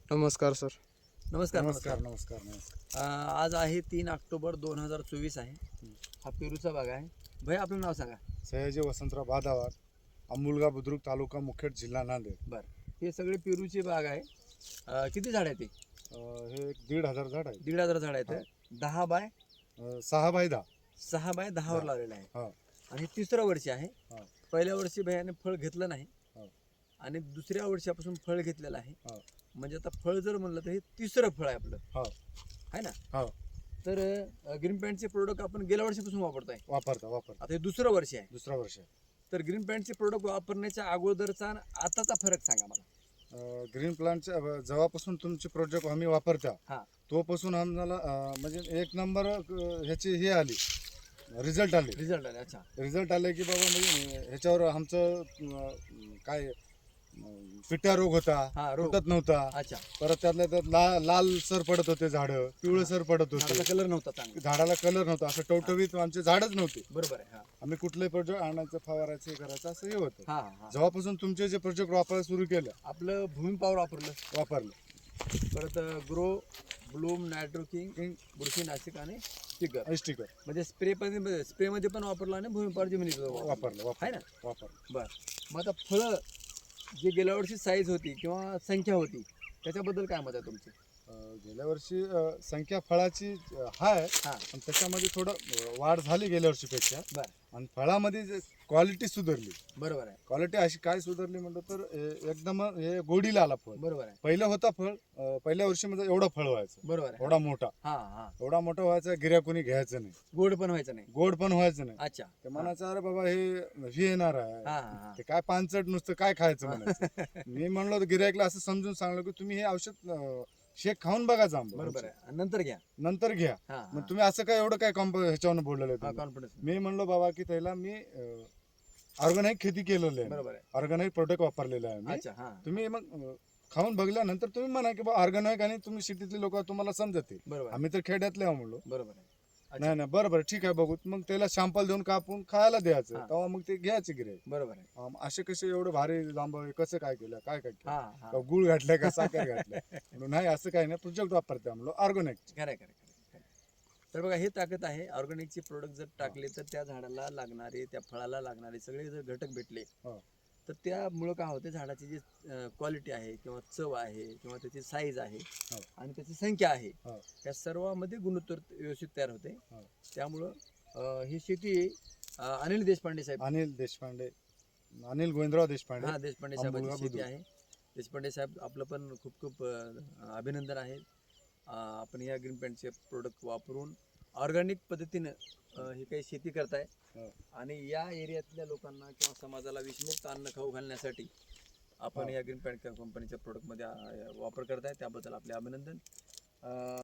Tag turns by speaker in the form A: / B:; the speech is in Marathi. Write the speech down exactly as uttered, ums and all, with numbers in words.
A: नमस्कार सर.
B: नमस्कार
C: नमस्कार नमस्कार नमस्कार
B: अं, आज आहे तीन ऑक्टोबर दोन हजार चोवीस आहे. हा पेरूचा बाग आहे. भैया आपलं नाव सांगा.
C: सयाजी वसंतराव बादावार, अंबुलगा बुद्रुक तालुका मुखेड जिल्हा नांदेड.
B: बरं, हे सगळे पेरूची बाग आहे. अं, किती झाड आहेत? ते
C: अं, हे एक दीड हजार झाड आहे.
B: दीड हजार झाड आहेत. दहा बाय
C: अं, सहा बाय दहा.
B: सहा बाय दहावर लावलेलं आहे.
C: हा
B: आणि हे तिसरं वर्ष आहे.
C: हा
B: पहिल्या वर्षी भैयाने फळ घेतलं नाही
C: हा
B: आणि दुसऱ्या वर्षापासून फळ घेतलेलं आहे.
C: हा
B: म्हणजे आता फळ जर म्हणलं तर हे तिसरं फळ आहे आपलं,
C: हा
B: आहे ना.
C: हा
B: तर ग्रीन पॅन्टचे प्रोडक्ट आपण गेल्या वर्षापासून वापरतोय.
C: वापरता वापरता
B: आता हे दुसरं वर्ष आहे.
C: दुसरा वर्ष आहे.
B: तर ग्रीन पॅन्टचे प्रोडक्ट वापरण्याच्या अगोदरचा आणि आताचा फरक सांगा मला.
C: अं, ग्रीन प्लांटच्या अं, जेव्हापासून तुमचे प्रोजेक्ट आम्ही वापरता
B: हा
C: तोपासून आम्हाला अं, म्हणजे एक नंबर अं, ह्याची हे आली, रिझल्ट आले.
B: रिझल्ट आले. अच्छा.
C: रिझल्ट आले की बाबा म्हणजे ह्याच्यावर आमचं अं, काय अं, पिट्या रोग होता,
B: हा, रोग.
C: तुटत नव्हता.
B: अच्छा.
C: परत त्यातल्या त्यात ला लाल सर पडत होते झाडं, पिवळं सर पडत
B: झाडाचा
C: होते,
B: कलर नव्हता चांगला.
C: झाडाला कलर नव्हता, असं टवटवीत आमचे झाडच नव्हते.
B: बरोबर आहे. हा
C: आम्ही कुठलंही प्रोजेक्ट आणायचं, फवारायचं, हे करायचं असं हे होतं.
B: हा हा
C: जेव्हापासून तुमचे जे प्रोजेक्ट वापरायला सुरू केलं,
B: आपलं भूमी पॉवर वापरलं.
C: वापरलं,
B: परत ग्रो, ब्लूम, नायट्रोकिंग, बुरशीनाशक आणि स्टिकर.
C: स्टिकर
B: म्हणजे स्प्रे पण स्प्रे मध्ये पण वापरलं आणि भूमी पॉवर जमिनीत वापरलं.
C: वापरलं
B: आहे
C: वापरलं
B: ना.
C: वापरलं.
B: बर, मग आता फळं जे गेल्या वर्षी साईज होती किंवा संख्या होती त्याच्याबद्दल काय मत आहे तुमचं?
C: अं, गेल्या वर्षी अं, संख्या फळाची अं, आहे,
B: हा.
C: पण त्याच्यामध्ये थोडं अं, वाढ झाली गेल्या वर्षीपेक्षा.
B: बर.
C: आणि फळामध्ये क्वालिटी सुधारली.
B: बरोबर आहे.
C: क्वालिटी अशी काय सुधारली म्हणलं तर ए- एकदम हे गोडीला आला फळ.
B: बरोबर आहे.
C: पहिलं होता फळ, अं, पहिल्या वर्षी म्हणजे एवढं फळ व्हायचं,
B: बरोबर आहे.
C: एवढा मोठा
B: हा हा
C: एवढा मोठा व्हायचा, गिऱ्या कोणी घ्यायचं नाही,
B: गोड पण व्हायचं नाही.
C: गोड पण व्हायचं नाही.
B: अच्छा.
C: ते म्हणायचं अरे बाबा हे हे येणार आहे,
B: हा हा हा
C: ते काय पानचट नुसतं काय खायचं म्हणायचं. मी म्हणलो गिऱ्हाईकला असं समजून सांगलो की तुम्ही हे औषध अं, शेक खाऊन बघा जांब,
B: बरोबर आहे. आणि नंतर घ्या.
C: नंतर घ्या.
B: हा
C: मग तुम्ही असं काय एवढं काय कॉम्प ह्याच्यावर बोललेलं
B: हा
C: आहे?
B: कॉन्फिडन्स.
C: मी म्हणलो बाबा की त्याला मी ऑर्गॅनिक खेती केलेलं आहे,
B: बरोबर आहे.
C: ऑर्गॅनिक प्रोडक्ट वापरलेलं आहे मी.
B: अच्छा. हा
C: तुम्ही मग अं, खाऊन बघल्यानंतर तुम्ही म्हणा की बा ऑर्गॅनिक, आणि तुम्ही सिटीतले लोक तुम्हाला समजतील.
B: बरोबर आहे.
C: आम्ही तर खेड्यातले आहो म्हणलो.
B: बरोबर आहे. अच्छा.
C: नाही नाही बरोबर ठीक आहे बघू. मग त्याला शॅम्पल देऊन कापून खायला द्यायचं,
B: हा.
C: तेव्हा मग ते घ्यायचे गिरे.
B: बरोबर आहे.
C: असे कसे एवढे भारी जांब कसं काय केलं, काय काय केलं,
B: हा हा
C: का गुळ घातलाय का साखर घातलाय म्हणून नाही, असं काही नाही. प्रोजेक्ट वापरते आम्हाला ऑर्गॅनिक.
B: खरं आहे, खरं आहे, खरं आहे. तर बघा, हे ताकद आहे. ऑर्गॅनिकचे प्रोडक्ट जर टाकले तर त्या झाडाला लागणारे, त्या फळाला लागणारे सगळे जर घटक भेटले
C: हो.
B: तर त्यामुळं काय होते, झाडाची जी क्वालिटी आहे किंवा चव आहे किंवा त्याची साईज आहे
C: हो.
B: आणि त्याची संख्या आहे,
C: हो.
B: या सर्वामध्ये गुणोत्तर व्यवस्थित तयार होते.
C: हो.
B: त्यामुळं अं, ही शेती अं, अनिल देशपांडे साहेब,
C: अनिल देशपांडे, अनिल गोविंदराव देशपांडे,
B: हा देशपांडे साहेबांची
C: अंबुलगा
B: शेती
C: बुद्रुक.
B: आहे. देशपांडे साहेब आपलं पण खूप खूप अं, अभिनंदन आहे. अं, आपण या ग्रीन पॅन्टचे प्रोडक्ट वापरून ऑर्गॅनिक पद्धतीनं अं, ही काही शेती करताय
C: हो.
B: आणि या एरियातल्या लोकांना किंवा समाजाला विषमुक्त अन्न खाऊ घालण्यासाठी आपण
C: हो.
B: या ग्रीन पॅन्ट कंपनीच्या प्रोडक्टमध्ये अं, वापर करताय, त्याबद्दल आपले अभिनंदन. अं,